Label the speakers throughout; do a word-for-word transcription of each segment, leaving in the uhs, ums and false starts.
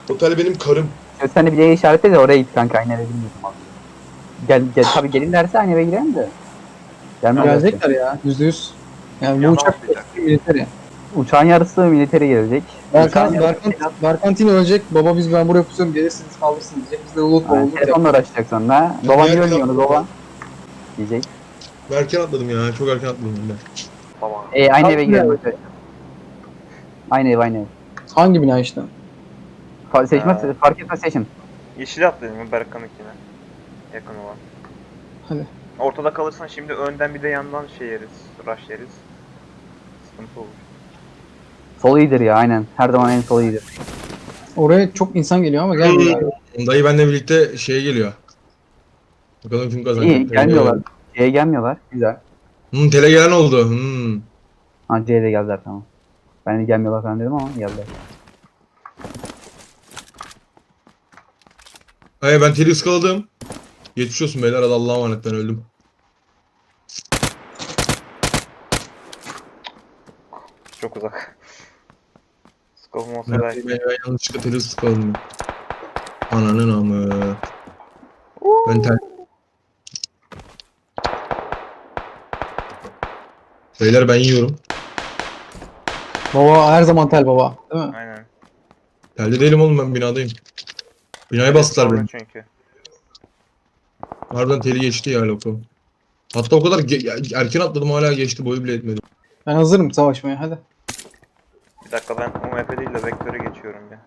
Speaker 1: Otel benim karım.
Speaker 2: Şöyle sen de bir yere işaretle de oraya git kanka. Aynı eve bilmiyorum abi. Gel, gel tabii gelirlerse aynı eve girelim de. Gelmezlerse.
Speaker 3: Gelecekler ya. Yüzde yüz. Yani bu
Speaker 4: Yana
Speaker 3: uçak
Speaker 4: atlayacak.
Speaker 3: militeri.
Speaker 2: Uçağın yarısı militeri gelecek.
Speaker 3: Berkan,
Speaker 2: Uçağın
Speaker 3: Berkan, Berkan Tino ölecek. Baba biz ben buraya pusuyorum. Gelirsiniz kalırsınız diyecek. Biz de Ulut
Speaker 2: Yani
Speaker 3: olduk.
Speaker 2: telefonla uğraşacak sonra. Baba niye
Speaker 1: Erken
Speaker 2: ölmüyorsunuz
Speaker 1: atladım.
Speaker 2: baba? Diyecek.
Speaker 1: Erken atladım ya. Çok erken atladım ben.
Speaker 4: Baba.
Speaker 2: E aynı
Speaker 3: Abi
Speaker 2: eve
Speaker 3: ne?
Speaker 2: girelim arkadaşlar. Aynı ev aynı ev.
Speaker 3: Hangi bina işte?
Speaker 2: Fa- Seçmez,
Speaker 4: Ha.
Speaker 2: fark etmez seçin.
Speaker 4: Yeşil atlayalım mı Berkan'ınkine? Yakın olan.
Speaker 3: Hadi.
Speaker 4: Ortada kalırsan şimdi önden bir de yandan şey yeriz. Rush yeriz. Sıkıntı olur.
Speaker 2: Sol iyidir ya aynen. Her zaman en sol iyidir.
Speaker 3: Oraya çok insan geliyor ama gelmiyor. abi.
Speaker 1: Dayı benimle birlikte şeye geliyor. Bakalım kim kazanacak.
Speaker 2: İyi gelmiyorlar. C'ye gelmiyorlar. Güzel.
Speaker 1: Hmm, tele gelen oldu. Hmm.
Speaker 2: Ha C'ye de geldiler tamam. Ben de gelmiyorlar falan dedim ama geldiler.
Speaker 1: Hayır ben teli ıskaladım. Geçmiş olsun beyler. Hadi Allah'a emanet, ben öldüm.
Speaker 4: Çok uzak. Scope'um olsa
Speaker 1: Ben,
Speaker 4: belki.
Speaker 1: ben, ben yanlışlıkla teli ıskaladım. Ananın amı. Ben tel... Beyler ben yiyorum.
Speaker 3: Baba her zaman tel baba. Değil mi?
Speaker 4: Aynen.
Speaker 1: Telde değilim oğlum, ben binadayım. Binaya bastılar
Speaker 4: Sorun
Speaker 1: beni.
Speaker 4: çünkü.
Speaker 1: Harbiden teli geçti ya lokum. Hatta o kadar ge- erken atladım, hala geçti, boyu bile etmedi.
Speaker 3: Ben hazırım savaşmaya hadi.
Speaker 4: Bir dakika ben U M P değil de vektöre geçiyorum ya.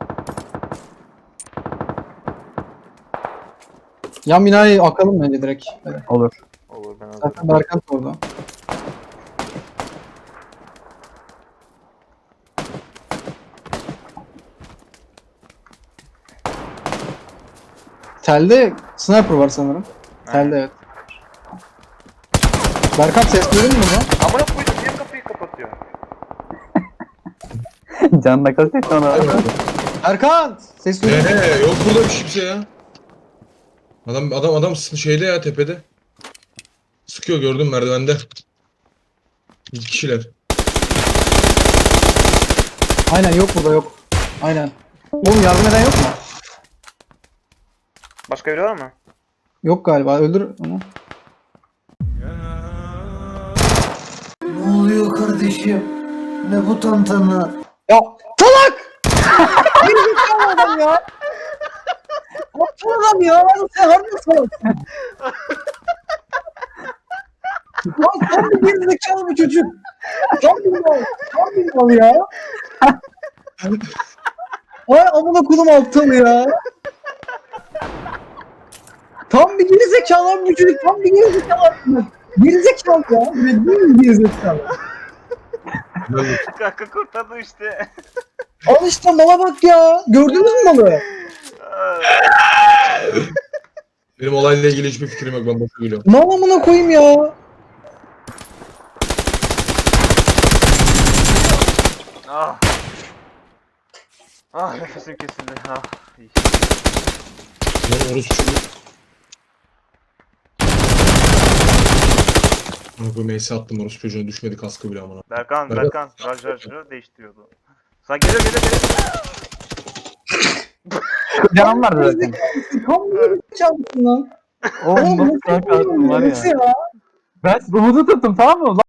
Speaker 3: Yan binayı akalım bence direkt. Hadi.
Speaker 2: Olur.
Speaker 4: Olur ben hazırım.
Speaker 3: Zaten Berkan da orada. Telde sniper var sanırım. Telde evet. Berkan ses duydun mu buradan?
Speaker 4: Amına koydum niye kapıyı kapatıyor?
Speaker 2: Canına kastet ona.
Speaker 3: Berkan! Ses duydun mu?
Speaker 1: Eee yok burada bir şey, bir şey ya. Adam adam adam sı- şeyde ya, tepede. Sıkıyor, gördüm merdivende. İki kişiler.
Speaker 3: Aynen yok burada yok. Aynen. Oğlum yardım eden yok mu?
Speaker 4: Başka biri var mı?
Speaker 3: Yok galiba öldür onu.
Speaker 5: Ne oluyor kardeşim? Ne bu tantana?
Speaker 3: Ya salak! Gerizekalı adam ya! Aptal adam ya! Sen harbi salaksın. Lan tam bir gerizekalı bir çocuk. Tam bir mal. Tam bir mal ya. Ay amına kodum aptal ya. Tam bir gerizekalı bir çocuk. Tam bir gerizekalı. Gerizekalı ya. Ne değil mi gerizekalı?
Speaker 4: Kanka kurtardı işte.
Speaker 3: Al işte mala bak ya. Gördünüz mü malı?
Speaker 1: Benim olayla ilgili hiçbir fikrim yok, ben boşu gülüyorum.
Speaker 3: Mal amına koyayım ya.
Speaker 4: Ah. Ah nefesim kesildi. Ah. İyi.
Speaker 1: Ben orası çocuğu. Bana bu meyse attım, orası çocuğuna düşmedi kaskı bile amına.
Speaker 4: Berkan,
Speaker 1: Berkan.
Speaker 4: Berkan, Raj Raj'ı değiştiriyordu. Sen geliyor geliyor geliyor.
Speaker 2: Canım vardı zaten.
Speaker 3: Tam bir gerizekalısın lan.
Speaker 2: Oğlum nasıl kanka var ya.
Speaker 3: ya.
Speaker 2: Ben Umut'u tuttum tamam mı?